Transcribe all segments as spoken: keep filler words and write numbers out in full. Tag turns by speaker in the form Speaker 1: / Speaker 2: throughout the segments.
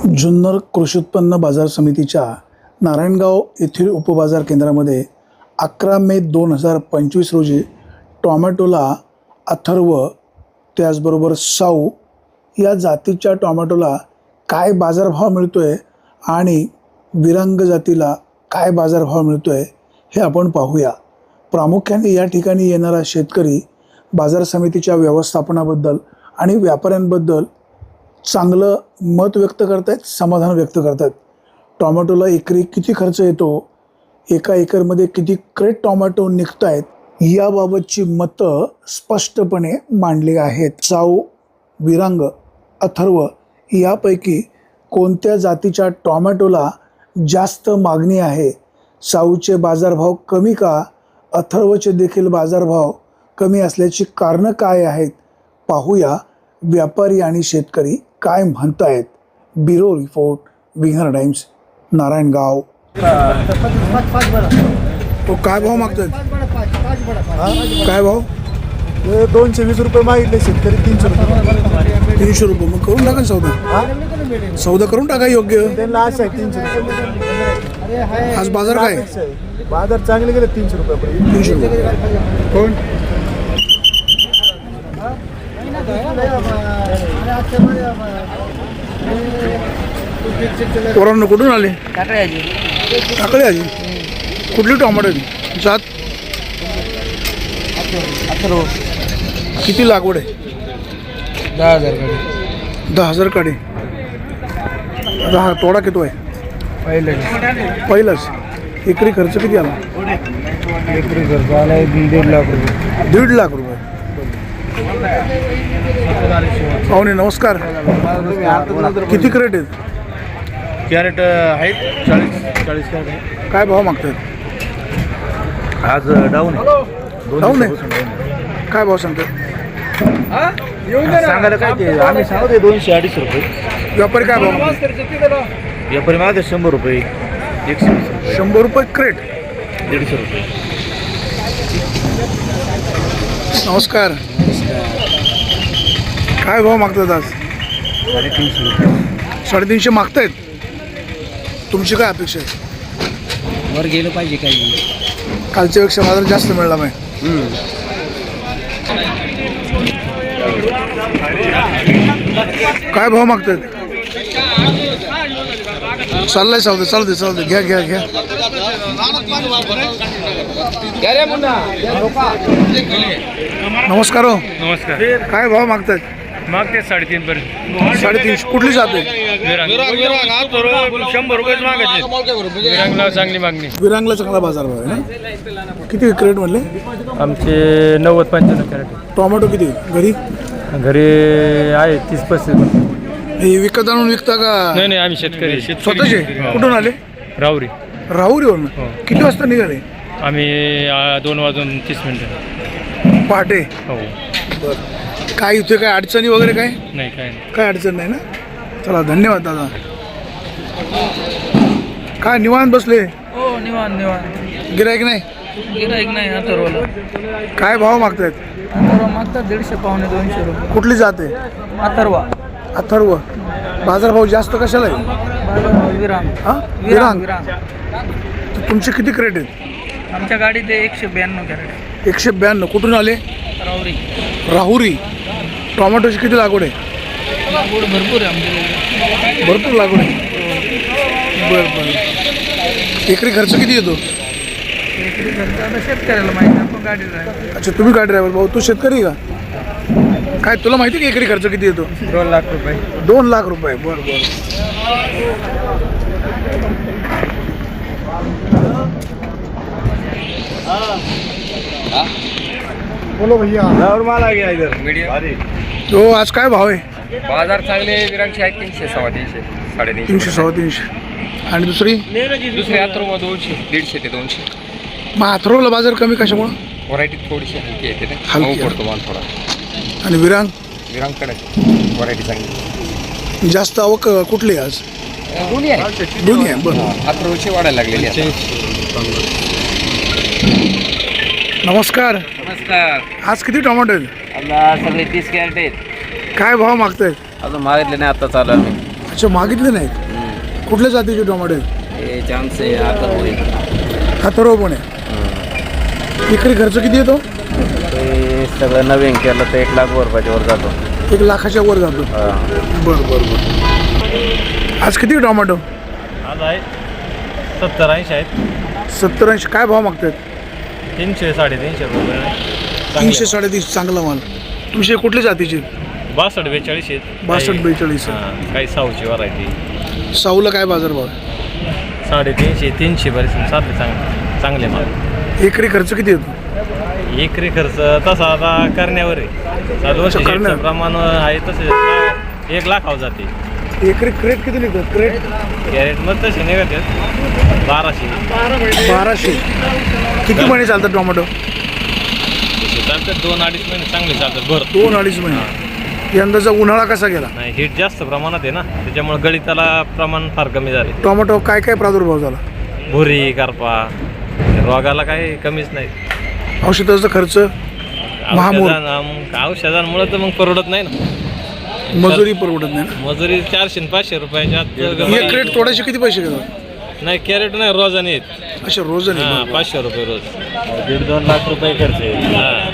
Speaker 1: जुन्नर कृषी उत्पन्न बाजार समितीच्या नारायणगाव येथील उपबाजार केंद्रामध्ये अकरा मे दोन हजार पंचवीस रोजी टॉमॅटोला अथर्व त्याचबरोबर साऊ या जातीच्या टॉमॅटोला काय बाजारभाव मिळतो आहे आणि विरांग जातीला काय बाजारभाव मिळतो आहे हे आपण पाहूया। प्रामुख्याने या ठिकाणी येणारा शेतकरी बाजार समितीच्या व्यवस्थापनाबद्दल आणि व्यापाऱ्यांबद्दल चांगलं मत व्यक्त करत आहेत, समाधान व्यक्त करत आहेत। टोमॅटोला एकरी किती खर्च येतो, एका एकरमध्ये किती क्रेट टोमॅटो निघत आहेत याबाबतची मतं स्पष्टपणे मांडली आहेत। साऊ, विरांग, अथर्व यापैकी कोणत्या जातीच्या टोमॅटोला जास्त मागणी आहे, साऊचे बाजारभाव कमी का, अथर्वचे देखील बाजारभाव कमी असल्याची कारणं काय आहेत पाहूया। व्यापारी आणि शेतकरी काय म्हणतायत। Bureau report, winger times, Narayangaon. तो काय भाव मागतात, काय भाव?
Speaker 2: दोनशे वीस रुपये मागितले शेतकरी, तीनशे रुपये
Speaker 1: तीनशे रुपये मग करून टाका सौदा, सौदा करून टाका योग्य।
Speaker 2: त्यांना असं आहे तीनशे रुपये।
Speaker 1: आज बाजार काय?
Speaker 2: बाजार चांगले गेले तीनशे रुपये
Speaker 1: तीनशे रुपये कोण पोरांना कुठून आले? टाकळे आजी। कुठली टोमॅटो जात? किती लागवड आहे?
Speaker 2: दहा हजार काढे
Speaker 1: दहा हजार काढे दहा तोडा किती आहे?
Speaker 2: पहिलं
Speaker 1: पहिलाच। एकरी खर्च किती आला?
Speaker 2: एकरी खर्च आला दीड लाख रुपये
Speaker 1: दीड लाख रुपये। पाहुणे नमस्कार, किती क्रेट आहेत?
Speaker 2: कॅरेट आहेत चाळीस चाळीस कॅरेट।
Speaker 1: काय भाव मागतात?
Speaker 2: आज डाऊन
Speaker 1: डाऊन आहे। काय भाव सांगतात?
Speaker 2: सांगायला काय ते आम्ही सांगतो दोनशे अडीच रुपये।
Speaker 1: व्यापारी काय भाव मागतात?
Speaker 2: व्यापारी मागे शंभर रुपये, एकशे
Speaker 1: शंभर रुपये क्रेट,
Speaker 2: दीडशे रुपये।
Speaker 1: नमस्कार, काय भाव मागतात आज?
Speaker 2: साडेतीनशे रुपये
Speaker 1: साडेतीनशे मागतायत। तुमची काय अपेक्षा आहे?
Speaker 2: वर गेलं पाहिजे काही,
Speaker 1: कालच्यापेक्षा बाजार जास्त मिळाला नाही। काय भाव मागतात? चाललाय सौदा, चालू दे चालू दे, घ्या घ्या घ्या। नमस्कार हो।
Speaker 3: नमस्कार।
Speaker 1: काय भाव मागतात?
Speaker 3: मागते साडेतीन पर्यंत।
Speaker 1: साडेतीनशे कुठली जाते?
Speaker 3: शंभर रुपयेच मागायचे। विरांगला चांगली मागणी।
Speaker 1: विरांगला चांगला बाजार भाव आहे ना? किती क्रेट म्हणले?
Speaker 3: आमचे नव्वद पंच्याण्णव कॅरेट।
Speaker 1: टोमॅटो किती घरी?
Speaker 3: घरी आहे तीस पस्तीस।
Speaker 1: हे विकत आणून विकता का?
Speaker 3: नाही नाही, आम्ही शेतकरी
Speaker 1: स्वतःचे? कुठून आले?
Speaker 3: राहुरी।
Speaker 1: राहुरीवरून? किती वाजता निघाले?
Speaker 3: आम्ही आ, दोन वाजून तीस मिनिटं
Speaker 1: पहाटे।
Speaker 3: हो।
Speaker 1: बरं, काय इथे काय अडचणी वगैरे काय?
Speaker 3: नाही काय नाही।
Speaker 1: काय अडचण नाही ना? चला, धन्यवाद दादा। काय निवांत बसले?
Speaker 4: हो, निवांत निवांत।
Speaker 1: गिरायक नाही?
Speaker 4: गिराईक नाही अथर्वला।
Speaker 1: काय भाव मागतायत?
Speaker 4: अथर्व मागतात दीडशे पावणे दोनशे रुपये।
Speaker 1: कुठली जाते?
Speaker 4: अथर्व।
Speaker 1: अथर्व। बाजारभाव जास्त कशाला आहे?
Speaker 4: बाजार विरांग।
Speaker 1: हा,
Speaker 4: विरांग
Speaker 1: विरांग।
Speaker 4: विरांग।
Speaker 1: तर तुमचे किती क्रेट आहेत?
Speaker 4: आमच्या गाडीत आहे एकशे ब्याण्णव कॅरेट।
Speaker 1: एकशे ब्याण्णव कुठून आले?
Speaker 4: राहुरी।
Speaker 1: राहुरी। टोमॅटोची किती लागवड आहे?
Speaker 4: लागवड भरपूर आहे आमच्याकडे।
Speaker 1: भरपूर लागवड आहे। बरं बरं। एकरी खर्च किती येतो?
Speaker 4: एकरी खर्च आता शेतकऱ्याला माहिती, आपण गाडी ड्रायव्हर।
Speaker 1: अच्छा, तुम्ही गाडी ड्रायव्हर। भाऊ, तू शेतकरी का? काय तुला माहिती की एकरी खर्च किती येतो?
Speaker 4: दोन लाख रुपये।
Speaker 1: दोन लाख रुपये बरं बरं।
Speaker 2: बोलो भैया।
Speaker 3: मला घ्या इधर।
Speaker 1: तो आज काय भाव आहे?
Speaker 3: बाजार चांगले विरांगचे आहेत तीनशे सव्वा तीनशे साडेतीनशे।
Speaker 1: तीनशे सव्वा तीनशे। आणि दुसरी?
Speaker 3: दुसरे अथर्व दोनशे दीडशे ते दोनशे।
Speaker 1: मग अथर्वला बाजार कमी कशामुळं?
Speaker 3: व्हरायटी थोडीशी हलकी येते ना,
Speaker 1: हलकी
Speaker 3: मऊ पडतो माल थोडा।
Speaker 1: आणि विरांग?
Speaker 3: विरांगकडे व्हरायटी चांगली।
Speaker 1: जास्त आवक कुठली आज?
Speaker 3: दोन्ही आहे।
Speaker 1: दोन्ही आहे। बरं,
Speaker 3: अथर्वची वाढायला लागलेली आहे।
Speaker 1: नमस्कार,
Speaker 3: नमस्कार।
Speaker 1: आज किती टोमॅटो आहेत?
Speaker 3: सगळे तीस कॅरेट आहेत।
Speaker 1: काय भाव मागतायत?
Speaker 3: अजून मागितले नाही, आता चालू आम्ही।
Speaker 1: अच्छा, मागितले नाहीत. कुठल्या जातीचे टोमॅटो आहेत?
Speaker 5: हे चान्स आहे आता होईल.
Speaker 1: अथर्व पण आहे. इकडे खर्च किती येतो?
Speaker 5: ते सगळं नवीन केलं तर एक लाख रुपयाच्या वर जातो.
Speaker 1: एक लाखाच्या वर जातो. बरं बरं बरं. आज किती टोमॅटो?
Speaker 3: आज आहे सत्तर ऐंशी आहेत.
Speaker 1: सत्तर ऐंशी. काय भाव मागतात?
Speaker 3: तीनशे साडेतीनशे रुपये.
Speaker 1: तीनशे साडेतीनशे. चांगला माल. तुमचे कुठल्या जातीचे?
Speaker 3: बासष्ट बेचाळीस आहेत.
Speaker 1: बासष्ट बेचाळीस.
Speaker 3: हां, काही साऊची व्हरायटी.
Speaker 1: साऊला काय बाजारभाव?
Speaker 3: साडेतीनशे तीनशे बरेच साधे चांगले चांगले माल.
Speaker 1: एकरी खर्च किती येतो?
Speaker 3: एकरी खर्च तसा आता करण्यावर आहे. चालू वर्षी
Speaker 1: करण्यावर.
Speaker 3: प्रमाण आहे तसे एक लाखावर जाते.
Speaker 1: एकरी क्रेट किती निघतात? क्रेट
Speaker 3: कॅरेटमध्ये तसे निघतात बाराशे.
Speaker 1: बाराशे. किती महिने चालतात टोमॅटो?
Speaker 3: चालतात दोन अडीच महिने चांगले चालतात. बरं,
Speaker 1: दोन अडीच महिने. यंदाचा उन्हाळा कसा गेला?
Speaker 3: नाही हीट जास्त प्रमाणात आहे ना, त्याच्यामुळे गळिताला प्रमाण फार कमी झाले.
Speaker 1: टोमॅटो काय काय प्रादुर्भाव झाला?
Speaker 3: भुरी करपा रोगाला काही कमीच नाही.
Speaker 1: औषधाचा खर्च, महामूल,
Speaker 3: औषधां औषधांमुळे तर मग परवडत नाही ना.
Speaker 1: मजुरी परवडत नाही ना.
Speaker 3: मजुरी चारशे आणि पाचशे रुपयाच्या
Speaker 1: एक
Speaker 3: आत.
Speaker 1: क्रेट तोडायचे किती पैसे घेतात?
Speaker 3: नाही कॅरेट नाही रोजाने आहेत.
Speaker 1: अशा रोज
Speaker 3: हां, पाचशे रुपये रोज.
Speaker 5: दीड दोन लाख रुपये खर्च आहे.
Speaker 3: हां,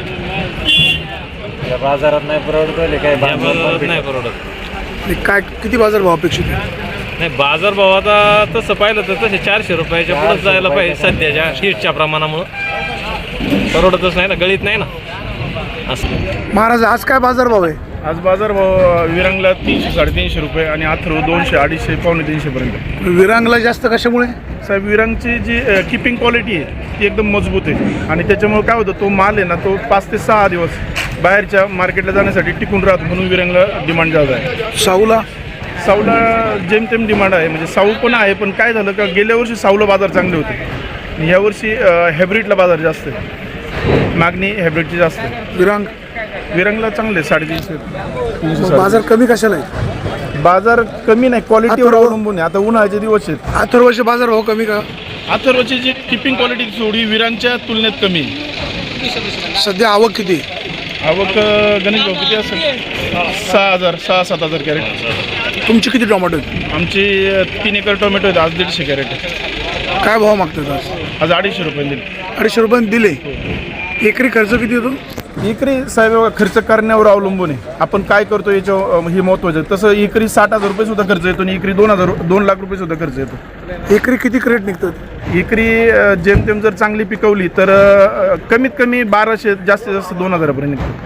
Speaker 5: या बाजारात नाही परवडत काय
Speaker 3: या बाजारात नाही परवडत.
Speaker 1: काय किती बाजार भाव अपेक्षित आहे?
Speaker 3: नाही बाजार भाव आता तसं पाहिलं तर तसे चारशे रुपयाच्या पुढे जायला पाहिजे सध्याच्या हीटच्या प्रमाणामुळं. परवडतच नाही ना, गळीत नाही ना असं.
Speaker 1: महाराज आज काय बाजार भाव आहे?
Speaker 2: आज बाजार भाव विरांगला तीनशे साडेतीनशे रुपये आणि अथर्व दोनशे अडीचशे पावणे तीनशेपर्यंत.
Speaker 1: विरांगला जास्त कशामुळे?
Speaker 2: साहेब विरांगची जी किपिंग क्वालिटी आहे ती एकदम मजबूत आहे आणि त्याच्यामुळे काय होतं, तो माल आहे ना तो पाच ते सहा दिवस बाहेरच्या मार्केटला जाण्यासाठी टिकून राहतो, म्हणून विरांगला डिमांड जास्त आहे.
Speaker 1: साऊला?
Speaker 2: साऊला जेमतेम डिमांड आहे, म्हणजे साऊ पण आहे, पण काय झालं का गेल्या वर्षी साऊला बाजार चांगले होते आणि यावर्षी हॅब्रिडला बाजार जास्त आहे, मागणी हॅब्रिडची जास्त आहे.
Speaker 1: विरांग
Speaker 2: विरांगला चांगले साडेतीनशे तीनशे
Speaker 1: मग
Speaker 2: साडे-
Speaker 1: बाजार कमी कशाला आहे?
Speaker 2: बाजार कमी नाही, क्वालिटीवर
Speaker 1: अथर्व?
Speaker 2: अवलंबून आहे. आता उन्हाळ्याचे दिवस आहेत.
Speaker 1: अथर्वचे बाजार भाव कमी का?
Speaker 2: अथर्वची जी किपिंग क्वालिटी थोडी विरांगच्या तुलनेत कमी आहे.
Speaker 1: सध्या आवक किती?
Speaker 2: आवक अ, गणेश भाऊ किती असेल? सहा हजार सहा सात हजार कॅरेट.
Speaker 1: तुमची किती टोमॅटो आहेत?
Speaker 2: आमची अ, तीन एकर टोमॅटो आहेत, आज दीडशे कॅरेट आहे.
Speaker 1: काय भाव मागतात आज?
Speaker 2: आज अडीचशे रुपये दिले.
Speaker 1: अडीचशे रुपयांनी दिले. एकरी खर्च किती येतो?
Speaker 2: एकरी साहेब खर्च करण्यावर अवलंबून आहे, आपण काय करतो याच्यावर हे महत्त्वाचं आहे. तसं एकरी साठ हजार रुपये सुद्धा खर्च येतो आणि एकरी दोन हजार दोन लाख रुपये सुद्धा खर्च येतो.
Speaker 1: एकरी किती क्रेट निघतात?
Speaker 2: एकरी अ, जेमतेम जर चांगली पिकवली तर अ, कमीत कमी बाराशे जास्तीत जास्त दोन हजारापर्यंत निघतो.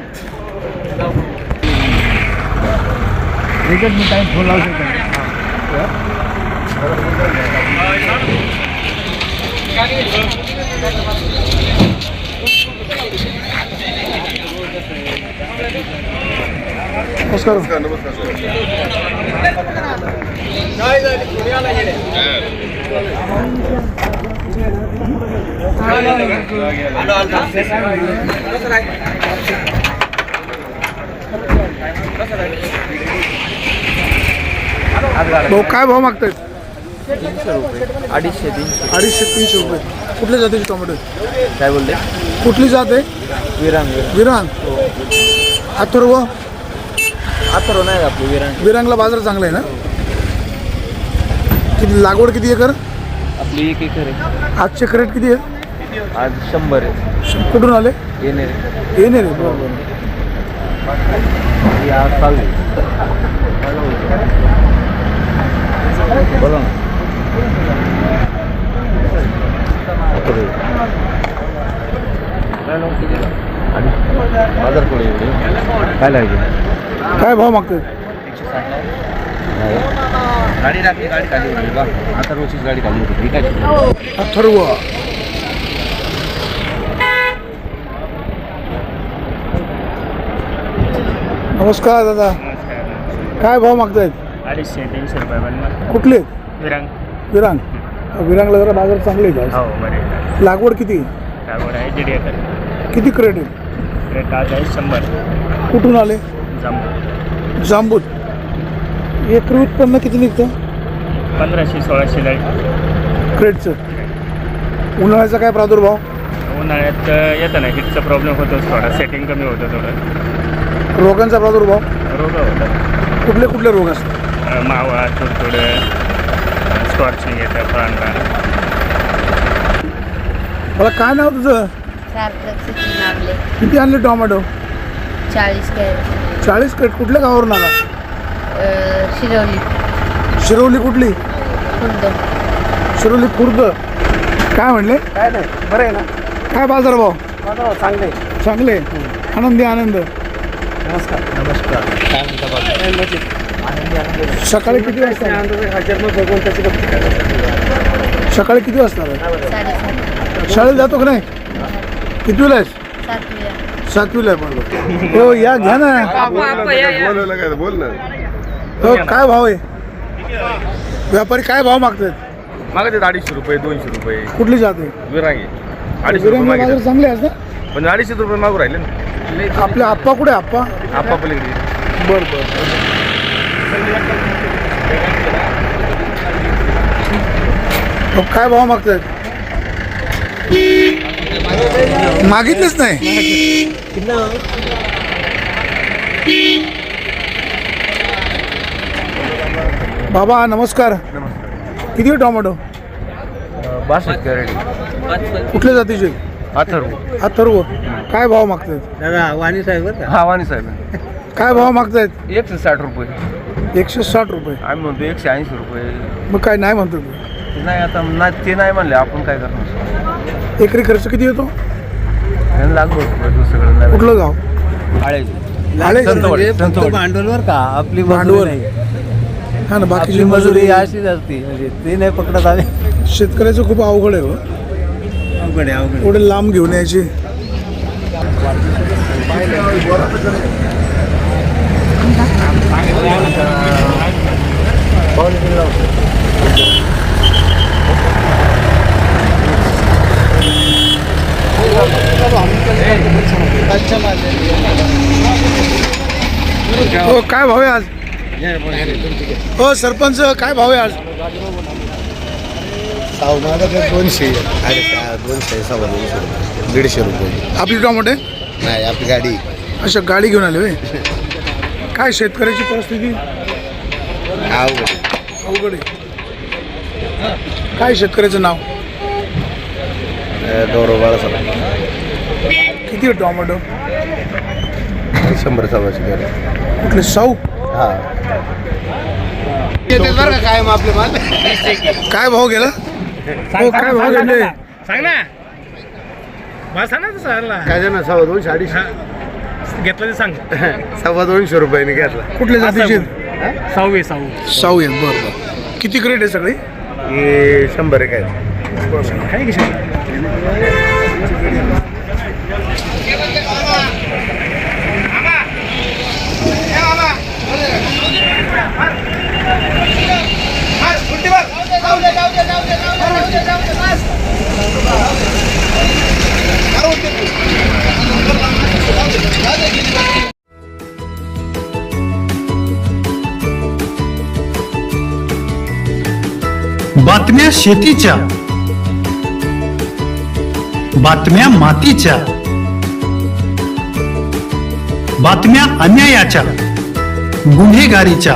Speaker 1: नमस्कार. भाऊ काय भाव मागतायत?
Speaker 5: अडीचशे तीनशे.
Speaker 1: अडीचशे तीनशे रुपये. कुठल्या जातीचे टोमॅटो आहेत?
Speaker 5: काय बोलते?
Speaker 1: कुठली जात आहे?
Speaker 5: विरांग.
Speaker 1: विरांग. अथर्व?
Speaker 5: अथर्व नाही आपली विरांग.
Speaker 1: विरांगला बाजार चांगला आहे ना? किती लागवड किती एकर?
Speaker 5: आपली एक एकर आहे.
Speaker 1: आजचे क्रेट किती आहे?
Speaker 5: आज शंभर आहे.
Speaker 1: कुठून आले?
Speaker 5: येणे
Speaker 1: येणे रे. बरोबर.
Speaker 5: आज चालू बोला ना. बाजार पुढे काय लागेल?
Speaker 1: काय भाव मागतात?
Speaker 5: गाडी लागली, गाडी खाली होती बा. आता रोजचीच गाडी खाली होती. काय
Speaker 1: अथर्व. नमस्कार दादा. काय भाव मागतायत?
Speaker 6: अडीचशे तीनशे रुपये बनणार.
Speaker 1: कुठले?
Speaker 6: विरांग.
Speaker 1: विरांग. विरांगला जरा बाजार चांगले आहेत
Speaker 6: हो
Speaker 1: आज.
Speaker 6: बरे.
Speaker 1: लागवड किती?
Speaker 6: लागवड आहे दीड एकर.
Speaker 1: किती क्रेट आहे?
Speaker 6: रेट आज आहे शंभर.
Speaker 1: कुठून आले?
Speaker 6: जांबू.
Speaker 1: जांबूत. एकरी उत्पन्न किती निघतं?
Speaker 6: पंधराशे सोळाशे लाईट.
Speaker 1: क्रेटचं. उन्हाळ्याचा काय प्रादुर्भाव?
Speaker 6: उन्हाळ्यात येतं ना हिटचा प्रॉब्लेम होतो थोडा, सेटिंग कमी होतं थोडं.
Speaker 1: रोगांचा प्रादुर्भाव?
Speaker 6: रोग होतात.
Speaker 1: कुठले कुठले रोग असतात?
Speaker 6: अं, मावा थोडं थोडं स्कॉर्चिंग येतं फळांना.
Speaker 1: मला काय नाव तुझं?
Speaker 7: सार्थक सचिन आपले
Speaker 1: किती आणले टोमॅटो?
Speaker 7: चाळीस कॅरेट
Speaker 1: चाळीस कट. कुठल्या गावावरून आला?
Speaker 7: शिरवली
Speaker 1: शिरवली. कुठली?
Speaker 7: खुर्द.
Speaker 1: शिरोली खुर्द. काय म्हणले?
Speaker 5: काय नाही, बरं आहे ना.
Speaker 1: काय बाजार भाव?
Speaker 5: माझा चांगलं आहे.
Speaker 1: चांगले. आनंदी आनंद.
Speaker 5: नमस्कार. नमस्कार. काय म्हणता बाबा?
Speaker 1: सकाळी किती वाजता?
Speaker 5: हजार मग भगवंताची भक्ती करायला.
Speaker 1: सकाळी किती वाजता?
Speaker 7: साडेसात.
Speaker 1: शाळेत जातो का नाही? कितवीला आहेस?
Speaker 7: सातवीला.
Speaker 1: सातवीला आहे. बरोबर. हो या घ्या ना. हो काय भाव आहे? व्यापारी काय भाव मागतात?
Speaker 2: मागतात अडीचशे रुपये दोनशे रुपये.
Speaker 1: कुठली जाते?
Speaker 2: विरांगी अडीचशे रुपये
Speaker 1: बाजार
Speaker 2: मागितले,
Speaker 1: चांगले आहेत ना?
Speaker 2: पण अडीचशे रुपये मागू राहिले ना.
Speaker 1: आपले आप्पा कुठे? आप्पा
Speaker 2: आपा पलीकडे.
Speaker 1: बर बर. हो, काय भाव मागतात? मागितलेच नाही. बाबा नमस्कार. किती आहे टोमॅटो?
Speaker 5: बासष्ट कॅरेट.
Speaker 1: कुठल्या जातीचे?
Speaker 5: अथर्व.
Speaker 1: अथर्व. काय भाव मागतात?
Speaker 5: दादा वाणी साहेब बरं का? हा वाणी साहेब.
Speaker 1: काय भाव मागतायत?
Speaker 5: एकशे साठ रुपये.
Speaker 1: एकशे साठ रुपये.
Speaker 5: आम्ही म्हणतो एकशे ऐंशी रुपये.
Speaker 1: मग काय नाही म्हणतो तू?
Speaker 5: ते नाही आता ना, ते नाही म्हणले, आपण काय करणार?
Speaker 1: एकरी खर्च किती येतो?
Speaker 5: लागलो दुसरीकडे नाही.
Speaker 1: कुठलं गाव?
Speaker 5: आळे.
Speaker 1: आळे.
Speaker 5: भांडवलवर का आपली
Speaker 1: भांडवल. हा ना, बाकीची मजुरी
Speaker 5: अशीच असते, म्हणजे ते नाही पकडत आले.
Speaker 1: शेतकऱ्याचं खूप अवघड आहे. हो
Speaker 5: अवघड आहे, अवघड.
Speaker 1: एवढे लांब घेऊन यायची. हो काय भाव आहे आज? हो सरपंच काय भाव आहे आज?
Speaker 8: दोनशे दोनशे सव्वा दोनशे रुपये, दीडशे रुपये.
Speaker 1: आपली टोमॅटो?
Speaker 8: नाही, आपली गाडी.
Speaker 1: अच्छा गाडी घेऊन आले होय. काय शेतकऱ्याची परिस्थिती
Speaker 8: अवघड.
Speaker 1: अवघड आहे. काय शेतकऱ्याचं नाव?
Speaker 8: गौरव बाळासाहेब.
Speaker 1: किती आहे टोमॅटो?
Speaker 8: शंभर सव्वाशे गाडी.
Speaker 1: कुठले साऊ?
Speaker 8: हा. बरं का काय मग आपले माल?
Speaker 1: काय भाव गेला? हो काय भाव गेले?
Speaker 3: सांग ना. मला सांग ना तसं.
Speaker 8: काय ना सव्वा दोनशे अडीचशे
Speaker 3: घेतलं ते सांग.
Speaker 8: सव्वा दोनशे रुपयाने घेतला.
Speaker 1: कुठल्या जातीचे?
Speaker 3: सहावी सहावी
Speaker 1: साऊ आहे. बरं बरं. किती क्रेट आहे सगळी?
Speaker 8: हे शंभर एक आहे.
Speaker 3: काय की
Speaker 9: बातम्या शेतीच्या, बातम्या मातीच्या, बातम्या अन्यायाच्या, गुन्हेगारीच्या,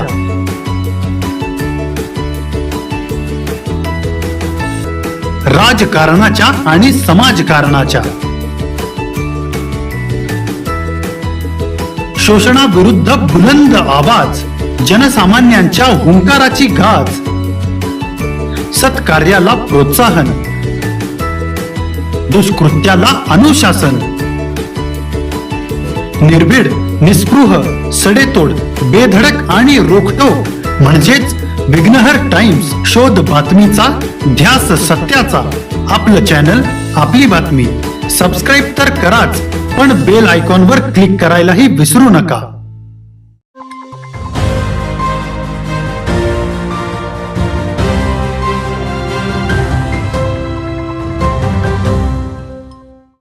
Speaker 9: राजकारणाच्या आणि समाजकारणाच्या, शोषणाविरुद्ध बुलंद आवाज, जनसामान्यांच्या हुंकाराची गाज, सत्कार्याला प्रोत्साहन, दुष्कृत्याला अनुशासन, निर्भीड, निस्पृह, सडेतोड, बेधडक आणि रोखटोक म्हणजेच विघ्नहर टाइम्स. शोध बातमीचा, ध्यास सत्याचा. आपलं चॅनल, आपली बातमी. सबस्क्राईब तर कराच, पण बेल आयकॉनवर क्लिक करायलाही विसरू नका.